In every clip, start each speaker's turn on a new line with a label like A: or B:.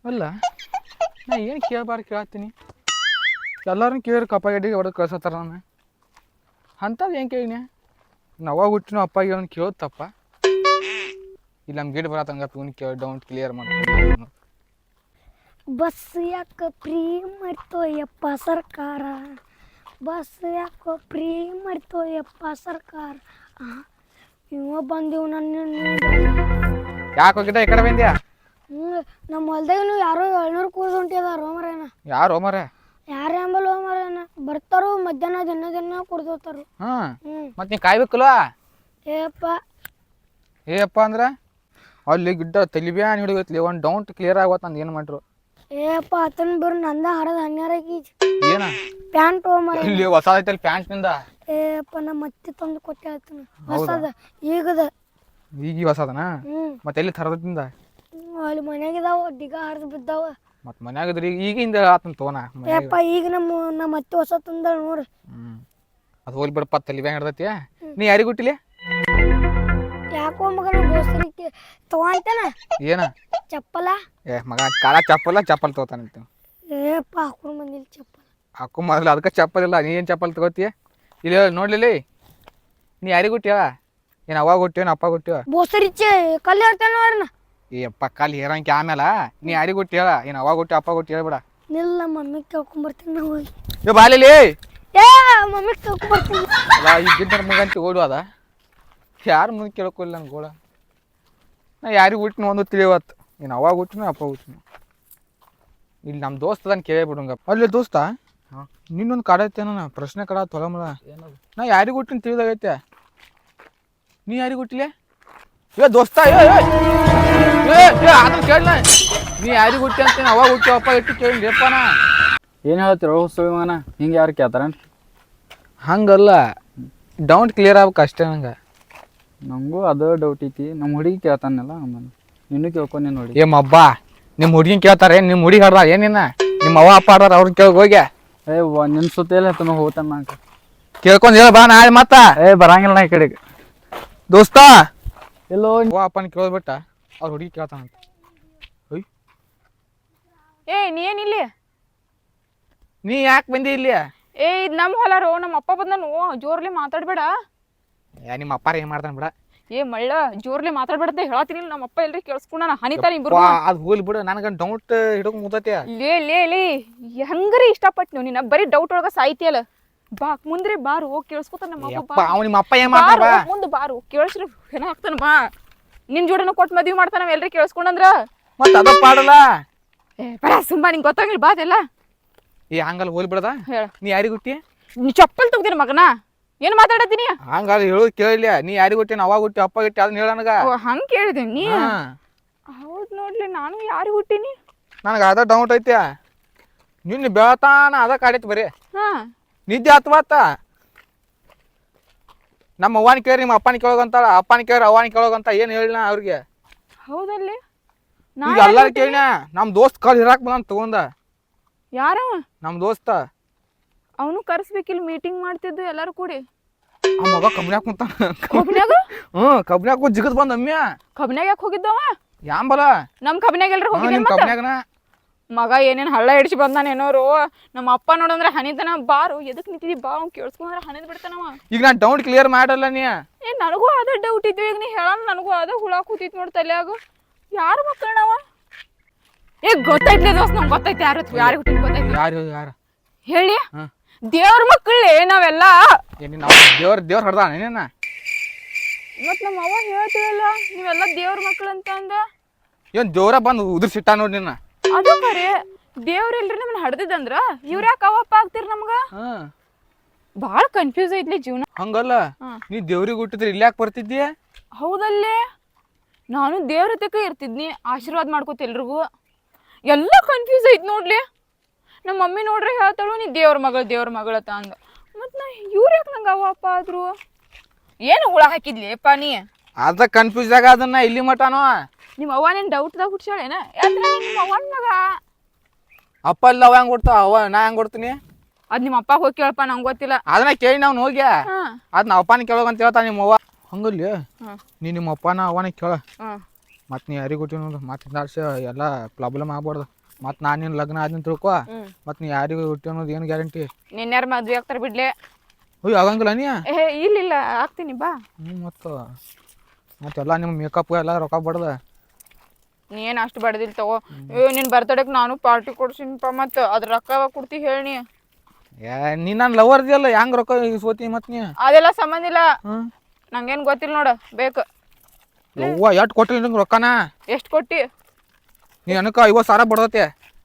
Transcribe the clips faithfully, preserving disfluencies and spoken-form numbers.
A: ಅಲ್ಲ ನಾ ಏನು ಕೇಳಬಾರ್ದು ಕೇಳತ್ತೀನಿ ಎಲ್ಲರೂ ಕೇಳಿ ಕಪ್ಪಾಗಡ್ಡಿಗೆ ಹೊಡೆದು ಕಳ್ಸತ್ತಾರ ನಾನು ಅಂಥದ್ದು ಏನು ಕೇಳಿನ ನಾವಾಗ ಹುಟ್ಟಿನ ಅಪ್ಪಾಗಿ ಅವ್ನು ಕೇಳೋದು ತಪ್ಪ ಇಲ್ಲಿ ನಮ್ಮ ಗಿಡ ಬರತ್ತಂಗಪ್ಪ ಇವ್ನು ಕೇಳಿ ಡೌಂಟ್ ಕ್ಲಿಯರ್ ಮಾಡ್ಕೊಂಡು
B: ಬಸ್ ಯಾಕೆ ಫ್ರೀ ಮಾಡ್ತೋಯಪ್ಪ ಸರ್ಕಾರ ಬಸ್ ಯಾಕೋ ಫ್ರೀ ಮಾಡ್ತೋಯಪ್ಪ ಸರ್ಕಾರ ಇವ ಬಂದಿವ್ ನನ್ನ
A: ಯಾಕೆ ಹೋಗಿದ್ದ ಈ ಕಡೆ ಬಂದ್ಯಾ
B: ಹ್ಞೂ ನಮ್ಮ ಹೊಲ್ದಾಗನು ಯಾರೋ ಏಳ್ನೂರು ಕೂಸ್ ಹೊಂಟಿದಾರ ಹೋಮರೇನ
A: ಯಾರು ಮರ
B: ಯಾರು ಎಂಬಲ್ ಹೋಮರೇನ ಬರ್ತಾರೋ ಮಧ್ಯಾಹ್ನ ದಿನ ದಿನ ಕುಡ್ದೋತಾರು
A: ಹಾಂ
B: ಹ್ಞೂ
A: ಮತ್ತೆ ನೀನು ಕಾಯ್ಬೇಕಲ್ಲ
B: ಏಪ್ಪ
A: ಏಪ್ಪ ಅಂದ್ರೆ ಅಲ್ಲಿ ಗಿಡ್ಡ ತಲಿಬ್ಯಾನ್ ಹಿಡಿಯೋತ್ಲಿ ಒಂದು ಡೌಂಟ್ ಕ್ಲಿಯರ್ ಆಗೋತ್ ನಂದು ಏನು ಮಾಡ್ರು
B: ಏಪ್ಪ ಆತನ ಬರ್ ನಂದ ಹರದ ಹನ್ನೆರಡು ಗೀಜ್
A: ಏನ
B: ಪ್ಯಾಂಟ್ ಹೋಮರ
A: ಇಲ್ಲಿ ಹೊಸ ಐತಲ್ಲಿ ಪ್ಯಾಂಟ್ನಿಂದ
B: ಏಪ್ಪ ನಮ್ಮ ಮತ್ತೆ ತಂದು ಕೊಟ್ಟೆ ಆತನ ಹೊಸದ ಈಗದ
A: ಈಗ ಹೊಸದನ
B: ಹ್ಞೂ
A: ಮತ್ತೆ ಎಲ್ಲಿ ತರದಿಂದ
B: ಅಲ್ಲಿ ಮನ್ಯಾಗಿದಾವ ಡಿಗ ಹರಿದು ಬಿದ್ದಾವ
A: ಮತ್ತೆ ಮನ್ಯಾಗದ್ರಿ ಈಗಿಂದ ಆತನ ತೋನ
B: ಏಪ್ಪ ಈಗ ನಮ್ಮ ನಮ್ಮ ಮತ್ತೆ ಹೊಸ ತಂದಳ ನೋಡ್ರಿ
A: ಹ್ಞೂ ಅದು ಹೋಗಿ ಬಿಡಪ್ಪ ತಲಿಬ್ಯಾನ್ ಹಿಡ್ದೈತಿ ನೀ ಯಾರಿಗೆ ಹುಟ್ಟಿಲಿ
B: ಯಾಕೋ ಮಗನ ಬೋಸರಿಕೆ ತಗೊಂತೇನ
A: ಏನ
B: ಚಪ್ಪಲ
A: ಏ ಮಗ ಕಾಲ ಚಪ್ಪಲ್ಲ ಚಪ್ಪಲ್ ತಗೋತಾನಂತ
B: ಏಪ್ಪ ಹಾಕೊಂಡು ಬಂದಿಲ್ಲ ಚಪ್ಪಲ
A: ಹಾಕು ಮೊದಲು ಅದಕ್ಕೆ ಚಪ್ಪಲ್ ಇಲ್ಲ ನೀ ಏನು ಚಪ್ಪಲ್ ತಗೋತೀಯ ಇಲ್ಲಿ ನೋಡ್ಲಿಲ್ಲ ನೀ ಯಾರಿಗೆ ಹುಟ್ಟಿಯ ಏನು ಅವಾಗ ಹುಟ್ಟಿವ ಅಪ್ಪ ಹುಟ್ಟಿವ
B: ಬೋಸರಿಚೆ ಕಲ್ಲು ಹೇಳ್ತೇನೆ ಅವ್ರನ್ನ
A: ಈ ಅಪ್ಪ ಕಾಲು ಹೇರಂಕೆ ಆಮೇಲೆ ನೀ ಯಾರಿಗೆ ಹುಟ್ಟಿ ಹೇಳ ಏನು ಅವಾಗ ಹುಟ್ಟಿ ಅಪ್ಪ ಹುಟ್ಟಿ ಹೇಳ್ಬೇಡ
B: ನಿಲ್ಲ ನಮ್ಮ ಮಮ್ಮಿಗೆ ಕೇಳ್ಕೊಂಬರ್ತೀನಿ ನಾವು ಹೋಗಿ
A: ಏ ಬಾಲಿಲಿ
B: ಏ ಮಮ್ಮಿಗೆ ಕೇಳ್ಕೊಂಬರ್ತೀನಿ
A: ಅಲ್ಲ ಈ ಗಿಡ್ಡ ಮುಗಂತಿ ಓಡು ಅದ ಯಾರು ಮುಂದೆ ಕೇಳ್ಕೊಲ್ಲ ನನ್ಗೆ ಗೋಳ ನಾ ಯಾರಿಗೆ ಹುಟ್ಟಿನ ಒಂದು ತಿಳಿವತ್ತು ಏನು ಅವಾಗ ಹುಟ್ಟಿನ ಅಪ್ಪ ಹುಟ್ಟಿನ ಇಲ್ಲಿ ನಮ್ಮ ದೋಸ್ತ ಅದನ್ನು ಕೇಳೇ ಬಿಡುಂಗಪ್ಪ ಅಲ್ಲಿ ದೋಸ್ತ ನಿನ್ನೊಂದು ಕಾಡೈತೇನ ಪ್ರಶ್ನೆ ಕಡ ತೊಗೊಮಲ ನಾ ಯಾರಿಗೆ ಹುಟ್ಟಿನ ತಿಳಿದಾಗೈತೆ ನೀ ಯಾರಿಗೆ ಹುಟ್ಟಿಲೆ ಏ ದೋಸ್ತ ಏ ಅದನ್ನ ಕೇಳಲ್ಲ ನೀ ಯಾರಿಗೆ ಹುಟ್ಟಿ ಅಂತೀನಿ ಅವಾಗ ಹುಟ್ಟಿ ಅಪ್ಪ ಇಟ್ಟು ಕೇಳಿ ಅಪ್ಪನ
C: ಏನು ಹೇಳ್ತೀರ ಸುಳಿಮಗನ ಹಿಂಗೆ ಯಾರು ಕೇಳ್ತಾರ
A: ಹಂಗಲ್ಲ ಡೌಂಟ್ ಕ್ಲಿಯರ್ ಆಗ್ಬೇಕು ಅಷ್ಟೇ ನಂಗೆ
C: ನನಗೂ ಅದೇ ಡೌಟ್ ಐತಿ ನಮ್ಮ ಹುಡುಗಿ ಕೇಳ್ತಾನಲ್ಲ ಆಮೇಲೆ ನಿನ್ನೂ ಕೇಳ್ಕೊಂಡೆ ನೋಡಿ
A: ಏ ಮಬ್ಬ ನಿಮ್ಮ ಹುಡುಗಿನ ಕೇಳ್ತಾರೆ ನಿಮ್ಮ ಹುಡುಗಿ ಹಾಡ್ದ ಏನಿನ್ನ ನಿಮ್ಮ ಅವ್ವ ಅಪ್ಪ ಆಡ್ದಾರ ಅವ್ರನ್ನ ಕೇಳಿ ಹೋಗ್ಯ
C: ಏ ನಿನ್ನ ಸುತ್ತೇಲಿ ಹತ್ತನ ಹೋಗ್ತಾನ ನಂಗೆ
A: ಕೇಳ್ಕೊಂಡು ಹೇಳ ಬಾ ನಾಳೆ ಮತ್ತ
C: ಏ ಬರಂಗಿಲ್ಲ ನಾ ಈ ಕಡೆಗೆ
A: ದೋಸ್ತ
C: ಎಲ್ಲೋ
A: ಅವ್ವ ಅಪ್ಪನ ಕೇಳ್ಬಿಟ್ಟ ಅವ್ರ ಹುಡುಗಿ ಕೇಳ್ತಾನಂತ ಒಯ್
D: ಏ ನೀ ಏನಿಲ್ಲಿ
A: ನೀ ಯಾಕೆ ಬಂದಿ ಇಲ್ಲಿ
D: ಏ ಇದು ನಮ್ಮ ಹೊಲಾರೋ ನಮ್ಮ ಅಪ್ಪ ಬಂದನು ಜೋರ್ಲಿ ಮಾತಾಡ್ಬೇಡ
A: ಯಾ ನಿಮ್ಮ ಅಪ್ಪಾರ ಏನು ಮಾಡ್ತಾನೆ ಬಿಡ
D: ಏ ಮಳ್ಳ ಜೋರ್ಲಿ ಮಾತಾಡ್ಬೇಡಂತ ಹೇಳತ್ತೀನಿ ನಮ್ಮ ಅಪ್ಪ ಎಲ್ರಿ ಕೇಳಿಸ್ಕೊಂಡ ಹನಿತಾರ ಇಬ್ರು
A: ಅದು ಹೋಗ್ಲಿ ಬಿಡು ನನಗೆ ಡೌಟ್ ಹಿಡಕ್ ಮುಗ್ದೈತಿ
D: ಲೇ ಲೇ ಲೇ ಹೆಂಗರಿ ಇಷ್ಟಪಟ್ಟು ನೀವು ನಿನ್ನ ಬರೀ ಡೌಟ್ ಒಳಗ ಸಾಯ್ತಿಯಲ್ಲ ಬಾ ಮುಂದ್ರಿ ಬಾರು ಹೋಗಿ ಕೇಳಿಸ್ಕೊತಾನ ನಮ್ಮ ಅಪ್ಪ
A: ಅಪ್ಪ ಅವ ನಿಮ್ಮ ಅಪ್ಪ ಏನು ಮಾಡ್ತಾರ ಬಾ
D: ಮುಂದೆ ಬಾರು ಕೇಳಿಸ್ರಿ ಏನ ಹಾಕ್ತಾನ ಬಾ ನಿನ್ ಜೋಡಿನ ಕೊಟ್ಟು ಮದ್ವಿ ಮಾಡ್ತಾನ ಎಲ್ರಿ ಕೇಳಿಸ್ಕೊಂಡಂದ್ರ
A: ಮತ್ತೆ ಅದ ಪಾಡಲ್ಲ
D: ಏ ಬರ ಸುಮ್ಮ ನಿಂಗೆ ಗೊತ್ತಾಗಿಲ್ಲ ಬಾ ಅದೆಲ್ಲ
A: ಏ ಹಂಗಲ್ಲ ಹೋಗ್ಲಿ ಬಿಡದ
D: ಹೇಳ
A: ನೀ ಯಾರಿಗೆ ಹುಟ್ಟಿ
D: ನೀ ಚಪ್ಪಲ್ ತೆಗ್ದಿನ ಮಗನ ಏನು ಮಾತಾಡತ್ತೀನಿ
A: ಹಂಗಲ್ಲ ಹೇಳೋದು ಕೇಳಿಲ್ಲ ನೀ ಯಾರಿಗೆ ಹುಟ್ಟಿ ಅವಾಗ ಹುಟ್ಟಿ ಅಪ್ಪ ಹುಟ್ಟಿ ಅದನ್ನ ಹೇಳ ನನಗ
D: ಓ ಹಂಗೆ ಕೇಳಿದೆ ನೀ ಹೌದು ನೋಡ್ಲಿ ನಾನು ಯಾರಿಗೆ ಹುಟ್ಟಿನಿ
A: ನನಗೆ ಅದ ಡೌಟ್ ಐತಿ ನಿನ್ನ ಬೆಳತಾನ ಅದ ಕಾಡೈತಿ ಬರೀ
D: ಹಾ
A: ನಿದ್ದೆ ಹತ್ವಾತ ನಮ್ಮ ಅವ್ವನ ಕೇಳಿ ನಿಮ್ಮ ಅಪ್ಪನ ಕೇಳೋಗಂತಾಳ ಅಪ್ಪನ ಕೇಳಿ ಅವ್ವನ ಕೇಳೋಗಂತ ಏನು ಹೇಳಿನ ಅವ್ರಿಗೆ
D: ಹೌದಲ್ಲಿ
A: ಈಗ ಎಲ್ಲಾರು ಕೇಳಿನ ನಮ್ಮ ದೋಸ್ತ್ ಕಲ್ ಹಿರಾಕ್ ಬಂದ ತಗೊಂಡ
D: ಯಾರವ
A: ನಮ್ಮ ದೋಸ್ತ
D: ಅವನು ಕರ್ಸ್ಬೇಕಿಲ್ಲ ಮೀಟಿಂಗ್ ಮಾಡ್ತಿದ್ದು ಎಲ್ಲಾರು ಕೂಡಿ
A: ಆ ಮಗ ಕಬ್ನ್ಯಾಗ ಕುಂತಾನ
D: ಕಬ್ನ್ಯಾಗ
A: ಹ್ಞೂ ಕಬ್ನ್ಯಾಗ ಕೂತ್ ಜಿಗದ್ ಬಂದ ಅಮ್ಮ್ಯ
D: ಕಬ್ನ್ಯಾಗ ಯಾಕೆ ಹೋಗಿದ್ದವ
A: ಯಾಂಬಲ
D: ನಮ್ ಕಬ್ನ್ಯಾಗ ಎಲ್ರು ಹೋಗಿದ್ದೆ
A: ನಿಮ್ಮ ಕಬ್ನ್ಯಾಗನ
D: ಮಗ ಏನೇನ್ ಹಳ್ಳ ಹಿಡಿಸಿ ಬಂದಾನೇನೋರು ನಮ್ಮ ಅಪ್ಪ ನೋಡಂದ್ರೆ ಹನಿತನ ಬಾರು ಎದಕ್ ನಿಂತಿದಿ ಬಾ ಅವ್ನು ಕೇಳಿಸ್ಕೊಂಡ್ರೆ ಹನಿದ್ ಬಿಡ್ತಾನವ
A: ಈಗ ನಾನು ಡೌಟ್ ಕ್ಲಿಯರ್ ಮಾಡಲ್ಲ ನೀ
D: ಏ ನನಗೂ ಅದ ಡೌಟ್ ಇದ್ವಿ ಈಗ ನೀ ಹೇಳೋಣ ನನಗೂ ಅದ ಹುಳ ಕೂತಿತ್ ನೋಡಿ ತಲ್ಯಾಗ ಯಾರು ಮಕ್ಕಳನವ ಏ ಗೊತ್ತೈತ್ಲೆ ದೋಸ್ತ್ ನಂಗೆ ಗೊತ್ತೈತಿ ಯಾರು ಯಾರು ಹುಟ್ಟಿದ್ ಗೊತ್ತೈತಿ
A: ಯಾರು ಯಾರು
D: ಹೇಳಿ ದೇವ್ರ ಮಕ್ಕಳೇ ನಾವೆಲ್ಲ
A: ಏನಿ ನಾವು ದೇವ್ರ ದೇವ್ರ ಹಡ್ದಾನ ಏನೇನ
D: ಮತ್ ನಮ್ಮ ಅವ್ವ ಹೇಳ್ತೀವಲ್ಲ ನೀವೆಲ್ಲ ದೇವ್ರ ಮಕ್ಕಳು ಅಂತ ಅಂದ
A: ಏನು ದೇವ್ರ ಬಂದು ಉದುರ್ಸಿಟ್ಟ ನೋಡಿ ನಿನ್ನ
D: ಅದು ಖರೆ ದೇವ್ರ ಎಲ್ರಿ ನಮ್ಮನ್ನ ಹಡ್ದಿದಂದ್ರ ಇವ್ರ ಯಾಕೆ ಅವಪ್ಪ ಆಗ್ತಿರ್ ನಮ್ಗ
A: ಹಾಂ
D: ಬಾಳ ಕನ್ಫ್ಯೂಸ್ ಐತ್ಲಿ ಜೀವನ
A: ಹಂಗಲ್ಲ ನೀ ದೇವ್ರಿಗೆ ಹುಟ್ಟಿದ್ರೆ ಇಲ್ಲಿ ಯಾಕೆ ಬರ್ತಿದ್ದೀಯ
D: ಹೌದಲ್ಲೇ ನಾನು ದೇವ್ರ ತಕ ಇರ್ತಿದ್ನಿ ಆಶೀರ್ವಾದ ಮಾಡ್ಕೋತ ಎಲ್ರಿಗೂ ಎಲ್ಲ ಕನ್ಫ್ಯೂಸ್ ಐತ್ ನೋಡ್ಲಿ ನಮ್ಮ ಮಮ್ಮಿ ನೋಡ್ರಿ ಹೇಳ್ತಾಳು ನೀ ದೇವ್ರ ಮಗಳು ದೇವ್ರ ಮಗಳತ್ತ ಅಂದ ಮತ್ ನಾ ಇವ್ರ ಯಾಕೆ ನಂಗೆ ಅವಪ್ಪ ಆದ್ರು ಏನು ಹುಳ ಹಾಕಿದ್ಲಿ ಅಪ್ಪ ನೀ
A: ಅದ ಕನ್ಫ್ಯೂಸ್ ಆಗ ಅದನ್ನ ಇಲ್ಲಿ ಮಟನೋ
D: ನಿಮ್ಮ ಅವ್ವ ನೀನ್ ಡೌಟ್ದಾಗ ಹುಡ್ಸಾಳೇನ ಯಾತ್ರ ನಿಮ್ಮ ಅವ್ವನ ಮಗ
A: ಅಪ್ಪ ಇಲ್ಲ ಅವ ಹೆಂಗ್ ಕೊಡ್ತಾವ ಅವ ನಾ ಹೆಂಗ್ ಕೊಡ್ತೀನಿ
D: ಅದ್ ನಿಮ್ಮ ಅಪ್ಪ ಹೋಗಿ ಕೇಳಪ್ಪ ನಂಗೆ ಗೊತ್ತಿಲ್ಲ
A: ಅದನ್ನ ಕೇಳಿ ನಾವು ಹೋಗ್ಯ
D: ಹಾ
A: ಅದ್ ನಾ ಅಪ್ಪನ ಕೇಳೋಗಂತ ಹೇಳ್ತಾ ನಿಮ್ಮ ಅವ್ವ ಹಂಗಲ್ಲಿ
D: ಹ್ಮ್.
A: ನೀ ನಿಮ್ಮ ಅಪ್ಪನ ಅವನ ಕೇಳ
D: ಹ್ಮ್
A: ಮತ್ತು ನೀ ಯಾರಿಗೆ ಹುಟ್ಟಿ ನೋಡು ಮತ್ತು ಹಿಂದಾಡ್ಸ ಎಲ್ಲ ಪ್ರಾಬ್ಲಮ್ ಆಗ್ಬಾರ್ದು ಮತ್ತು ನಾನು ನಿನ್ನ ಲಗ್ನ ಆದ್ನ ತಿಳ್ಕೊ
D: ಹ್ಮ್
A: ಮತ್ತು ನೀ ಯಾರಿಗೆ ಹುಟ್ಟಿ ಅನ್ನೋದು ಏನು ಗ್ಯಾರಂಟಿ?
D: ನಿನ್ಯಾರ ಮದ್ವೆ ಆಗ್ತಾರ ಬಿಡ್ಲೆ.
A: ಅಯ್ಯೋ ಆಗಂಗಿಲ್ಲ ನೀ?
D: ಏ ಇಲ್ಲ ಇಲ್ಲ ಆಗ್ತೀನಿ ಬಾ.
A: ಹ್ಞೂ ಮತ್ತು ಮತ್ತೆಲ್ಲ ನಿಮ್ಮ ಮೇಕಪ್ ಎಲ್ಲ ರೊಕ್ಕ ಬಡ್ದ.
D: ನೀ ಏನು ಅಷ್ಟು ಬಡ್ದಿಲ್ಲ ತಗೋ. ಏ ನಿನ್ನ ಬರ್ತಡೇಗೆ ನಾನು ಪಾರ್ಟಿ ಕೊಡ್ಸಿನಪ್ಪ, ಮತ್ತು ಅದ್ರ ರೊಕ್ಕ ಕೊಡ್ತಿ ಹೇಳಿ.
A: ಏ ನೀ ನಾನು ಲವರ್ ಇದೆಯಲ್ಲ ಹೆಂಗೆ ರೊಕ್ಕ ಸೋತಿ ಮತ್ತು ನೀ?
D: ಅದೆಲ್ಲ ಸಂಬಂಧ ಇಲ್ಲ,
A: ಹ್ಞೂ
D: ನಂಗೇನು ಗೊತ್ತಿಲ್ಲ ನೋಡು. ಬೇಕು
A: ಯವ್ವ ಎಷ್ಟು ಕೊಟ್ಟಿಲ್ಲ ನಿಂಗೆ ರೊಕ್ಕನ?
D: ಎಷ್ಟು ಕೊಟ್ಟಿ?
A: ನೀ ನನಗೆ ಐವತ್ತು ಸಾವಿರ ಬಡ್ದತೆ.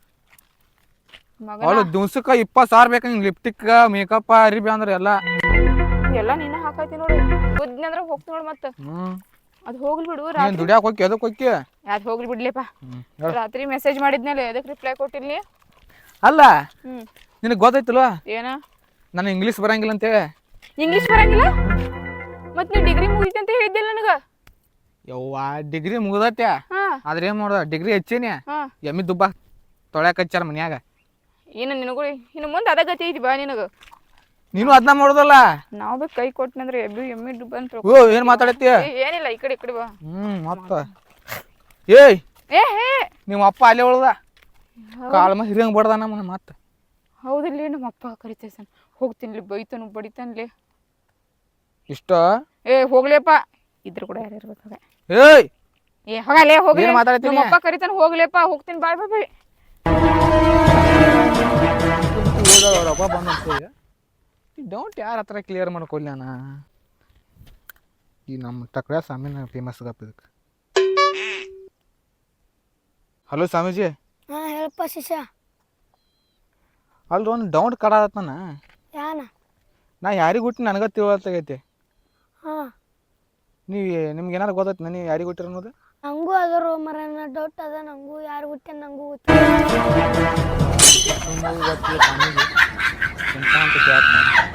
D: ಮಗ
A: ಅವಳು ದಿವ್ಸಕ್ಕೆ ಇಪ್ಪತ್ತು ಸಾವಿರ ಬೇಕು ನಿಂಗೆ ಲಿಪ್ಟಿಕ್ ಮೇಕಪ್ ಅರಿಬಿ ಅಂದ್ರೆ ಎಲ್ಲ.
D: ಎಲ್ಲ ನೀನ ಹಾಕೈತಿ ನೋಡು. ಬುದ್ಧಿ ಅಂದ್ರೆ ಹೋಗ್ತಿ ನೋಡು. ಮತ್ತೆ
A: ಹ್ಞೂ
D: ಅದು ಹೋಗ್ಲಿ ಬಿಡು.
A: ನೀನು
D: ರಾತ್ರಿ
A: ದುಡಿಯಾಕೆ ಹೋಗಿ ಅದಕ್ಕೆ ಹೋಗಿ.
D: ಅದು ಹೋಗ್ಲಿ ಬಿಡ್ಲಿಪ್ಪ.
A: ಹ್ಞೂ
D: ರಾತ್ರಿ ಮೆಸೇಜ್ ಮಾಡಿದ್ಮೇಲೆ ಎದಕ್ಕೆ ರಿಪ್ಲೈ ಕೊಟ್ಟಿಲ್ಲ ನೀ?
A: ಅಲ್ಲ
D: ಹ್ಞೂ
A: ನಿನಗೆ ಗೊತ್ತಾಯ್ತಲ್ವ
D: ಏನ?
A: ನನಗೆ ಇಂಗ್ಲೀಷ್ ಬರಂಗಿಲ್ಲ ಅಂತೇಳಿ.
D: ಇಂಗ್ಲೀಷ್ ಬರಂಗಿಲ್ಲ? ಮತ್ತೆ ನೀ ಡಿಗ್ರಿ ಮುಗಿತಿ ಅಂತ ಹೇಳಿದ್ದಿಲ್ಲ ನನಗೆ.
A: ಯವ್ವ ಡಿಗ್ರಿ ಮುಗ್ದತ್ತೆ,
D: ಹಾಂ
A: ಆದ್ರೆ ಏನು ಮಾಡೋದ ಡಿಗ್ರಿ ಹೆಚ್ಚೀನಿ.
D: ಹಾಂ
A: ಎಮ್ಮಿ ದುಬ್ಬ ತೊಳ್ಯಾಕ ಹಚ್ಚಾರ ಮನ್ಯಾಗ.
D: ಏನು ನಿನಗೂ ಇನ್ನು ಮುಂದೆ ಅದ ಗತಿ ಐತಿ ಬಾ ನಿನಗೆ.
A: ನೀನು ಅದನ್ನ ಮಾಡೋದಲ್ಲ.
D: ನಾವು ಬೇಕು ಕೈ ಕೊಟ್ಟನಂದ್ರೆ ಎಬ್ಬಿ ಎಮ್ಮಿ ಡುಬ್ಬ ಅಂತ.
A: ಓ ಏನು ಮಾತಾಡತ್ತಿ?
D: ಏನಿಲ್ಲ, ಈ ಕಡೆ ಈ ಕಡೆ ಬಾ.
A: ಹ್ಞೂ ಮತ್ತ ಏಯ್
D: ಏ ಹೇ
A: ನಿಮ್ಮ ಅಪ್ಪ ಅಲ್ಲೇ ಉಳ್ದ ಕಾಳ ಮ ಹಿರಿಯಂಗೆ ಬಡ್ದ ನಮ್ಮನ್ನ ಮತ್ತೆ.
D: ಹೌದಿಲ್ಲ, ನಮ್ಮ ಅಪ್ಪ ಕರಿತೈಸನ್ ಹೋಗ್ತೀನಿ, ಬೈತಾನು ಬಡಿತಾನ್ಲಿ.
A: ಇಷ್ಟ
D: ಏ ಹೋಗ್ಲೇಪ್ಪ, ಇದ್ರ ಕೂಡ ಯಾರು ಇರ್ಬೇಕಾಗ.
A: ಏಯ್
D: ಏ ಹೋಗಲೇ ಹೋಗ್ಲಿ,
A: ಏನ್ ಮಾತಾಡ್ತೀನಿ?
D: ನಮ್ಮ ಅಪ್ಪ ಕರಿತಾನ, ಹೋಗ್ಲೇಪ್ಪ, ಹೋಗ್ತೀನಿ, ಬಾಯ್ ಬಾಯ್ ಬಾಯ್.
A: ರೊಬ್ಬ ಬಂದ ಈ ಡೌಟ್ ಯಾರ ಹತ್ರ ಕ್ಲಿಯರ್ ಮಾಡ್ಕೊಲ್ಲ ನಾ. ಈ ನಮ್ಮ ಟಕ್ರ ಸ್ವಾಮಿನ ಫೇಮಸ್ ಗಪ್ಪ ಇದಕ್ಕೆ. ಹಲೋ ಸ್ವಾಮೀಜಿ.
B: ಹಾಂ ಹೇಳಪ್ಪ ಶಿಷ್ಯ.
A: ಅಲ್ರಿ ಒಂದು ಡೌಟ್ ಕಾಡತ್ತ ನಾನು.
B: ಯಾನ?
A: ನಾ ಯಾರಿಗೆ ಹುಟ್ಟಿ ನನಗೆ ತಿಳುವತ್ತಾಗೈತಿ.
B: ಹಾಂ
A: ನೀವು ನಿಮ್ಗೆ ಏನಾರು ಗೊತ್ತೈತಿ ನೀವು ಯಾರಿಗೆ ಹುಟ್ಟಿರ ಅನ್ನೋದು?
B: ನಂಗೂ ಅದರು ಮರ ಡೌಟ್ ಅದ. ನಂಗೂ ಯಾರು ಗೊತ್ತೇ ನಂಗೂ ಗೊತ್ತಿಲ್ಲ.
A: ನಿಮಗೂ ಗೊತ್ತಿಲ್ಲ ಸ್ವಾಮೀಜಿ. ಎಂತ ಅಂತ ಕೇಳ್ತೀನಿ.